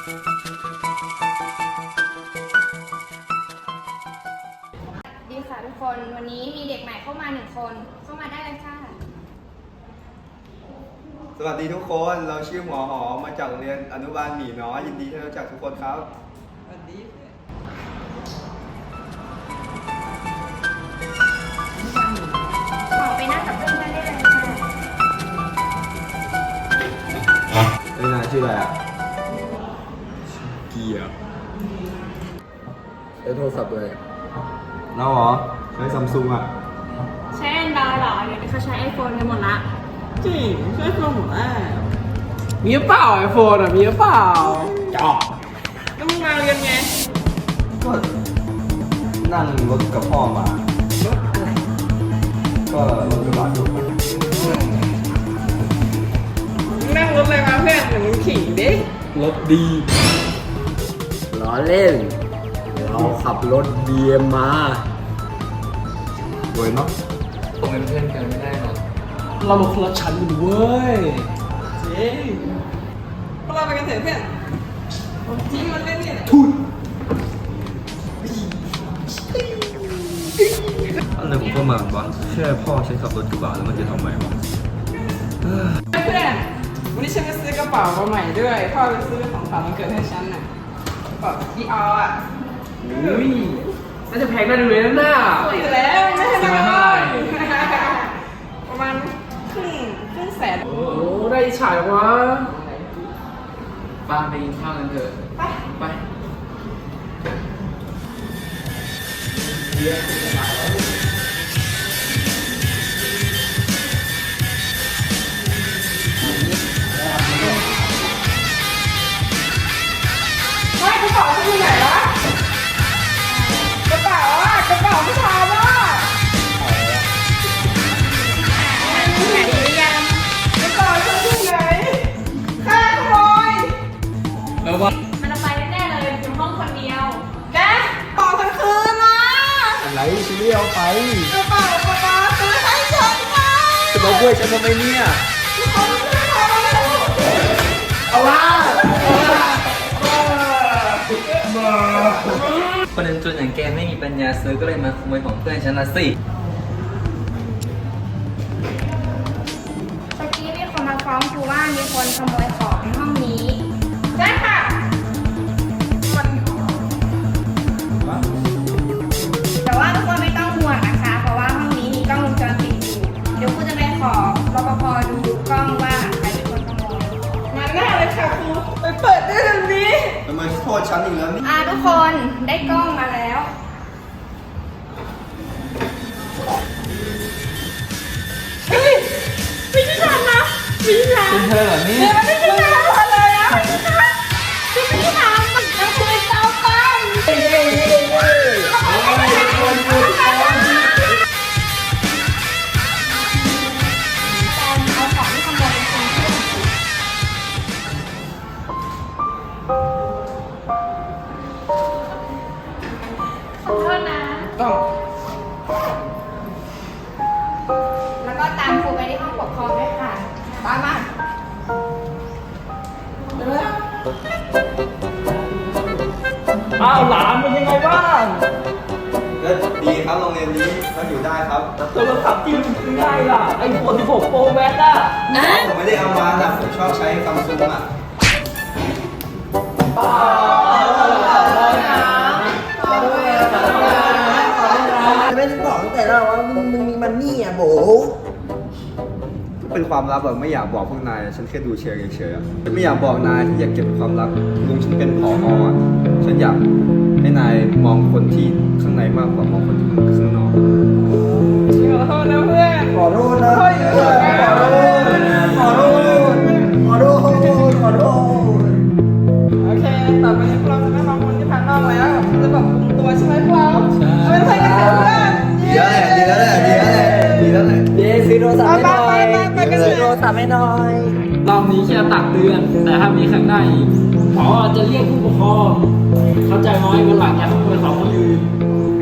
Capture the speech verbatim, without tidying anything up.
ดีค่ะทุกคนวันนี้มีเด็กใหม่เข้ามาหนึ่งคนเข้ามาได้เลยค่ะสวัสดีทุกคนเราชื่อหมอหอมมาจากโรงเรียนอนุบาลหมีน้อยยินดีที่รู้จักทุกคนครับสวัสดีขอไปนั่งกับเพื่อนได้เลยค่ะเอ้ยนายชื่ออะไรอ่ะเกียร์ใช้โทรศัพท์เลยน้าหรอใช้ซัมซุงอ่ะใช้แอนดรอยเหรอเดี๋ยวนี้เขาใช้ไอโฟนกันหมดละจริงใช่คนหมดแล้วมีเปล่าไอโฟนอ่ะมีเปล่าจ่อแล้วมึงมาเรียนไงก็นั่งรถกับพ่อมารถอะไรก็รถกระบะอยู่นั่งรถอะไรมาเพื่อนเดี๋ยวมึงขี่ดิรถดีล้อเล่นเราขับรถเบียร์มาสวยเนาะผมเป็นเพื่อนกันไม่ได้หรอกเรามาคนละชั้นกันเว้ยจริงพวกเราไปกันเถอะเพื่อนจริงมันเล่นเนี่ยทุนอะไรผมก็มาบ้านแค่พ่อใช้ขับรถกระบะแล้วมันจะทำไมวะเพื่อนวันนี้ฉันไปซื้อกระเป๋ามาใหม่ด้วยพ่อไปซื้อของขวัญวันเกิดให้ฉันน่ะกระเป๋าที่เอาอ่ะอุ้ยน่าจะแพงน่าดูเลยนะน่าสวยแล้วไม่ใช่เท่าไหร่ประมาณครึ่งครึ่งแสนโอ้ได้ฉายวะป้าไปกินข้าวกันเถอะไปไปไม่กระเป๋าฉันอยู่ไหนวะกระเป๋าอ่ะกระเป๋าผู้ชายว่ะไหนหรือยังกระเป๋าฉันอยู่ไหนใครขโมยแล้วว่ามันเอาไปแน่ๆเลยอยู่ห้องคนเดียวแกกระเป๋าฉันคืนนะอะไรฉันไม่เอาไปกระเป๋ากระเป๋าซื้อให้ฉันนะจะมาด้วยฉันทำไมเนี่ยเขาซื้อให้เอาละคนจนอย่างแกไม่มีปัญญาซื้อก็เลยมาขโมยของเพื่อนฉันละสิเมื่อกี้มีคนมาฟ้องครูว่ามีคนขโมยของในห้องนี้ใช่ค่ะแต่ว่าทุกคนไม่ต้องห่วงนะคะเพราะว่าห้องนี้มีกล้องวงจรปิดอยู่เดี๋ยวครูจะไปขอรปภดูกล้องว่าใครเป็นคนขโมยมาแน่เลยค่ะครูไปเปิดได้ทันทีทำไมโทษฉันอีกแล้วนี่อ่าทุกคนได้กล้องมาแล้วเฮ้ยไม่ใช่ฉันนะไม่ใช่ฉันเป็นเธอเหรอนี่ไม่ใช่ฉันเลยอ่ะไม่ใช่ฉันไม่ใช่ฉันมันคือเจ้ากันเฮ้ยเฮ้ยเฮ้ยเฮ้ยคนคนคนเอาของที่ขโมยจริงขอโทษนะต้องแล้วก็ตามครูไปที่ห้องปกครองด้วยค่ะตามมาอ้าวหลานเป็นยังไงบ้างก็ดีครับโรงเรียนนี้ก็อยู่ได้ครับโทรศัพท์ที่มันซื้อได้ล่ะไอโฟนสิบหกโปรแม็กซ์อ่ะผมไม่ได้เอามาแต่ผมชอบใช้ซัมซุงอ่ะไม่ได้บอกตั้งแต่แรกว่ามึงมึงมีมันนี่อ่ะโบเป็นความลับแบบไม่อยากบอกพวกนายฉันแค่ดูเชียร์เฉยๆอ่ะฉันไม่อยากบอกนายที่อยากเก็บความลับลุงฉันเป็นผออ่ะฉันอยากให้นายมองคนที่ข้างในมากกว่ามองคนที่ข้างนอกขอโทษนะเพื่อนขอโทษนะขอโทษขอโทษขอโทษขอโทษโอเคต่อไปนี้เราจะไม่มองคนที่พันนอกแล้วจะแบบคุมตัวใช่ไหมพวกเราเป็นเพื่อนกันเถอะเพื่อนดีแล้วแหละดีแล้วแหละดีแล้วแหละดีแล้วแหละเย้ซื้อโทรศัพท์ให้หน่อยซื้อโทรศัพท์ให้หน่อยรอบนี้แค่ตักเตือนแต่ถ้ามีข้างหน้าอีกพอจะเรียกผู้ปกครองเข้าใจไหมวันหลังอย่าขโมยของคนอื่น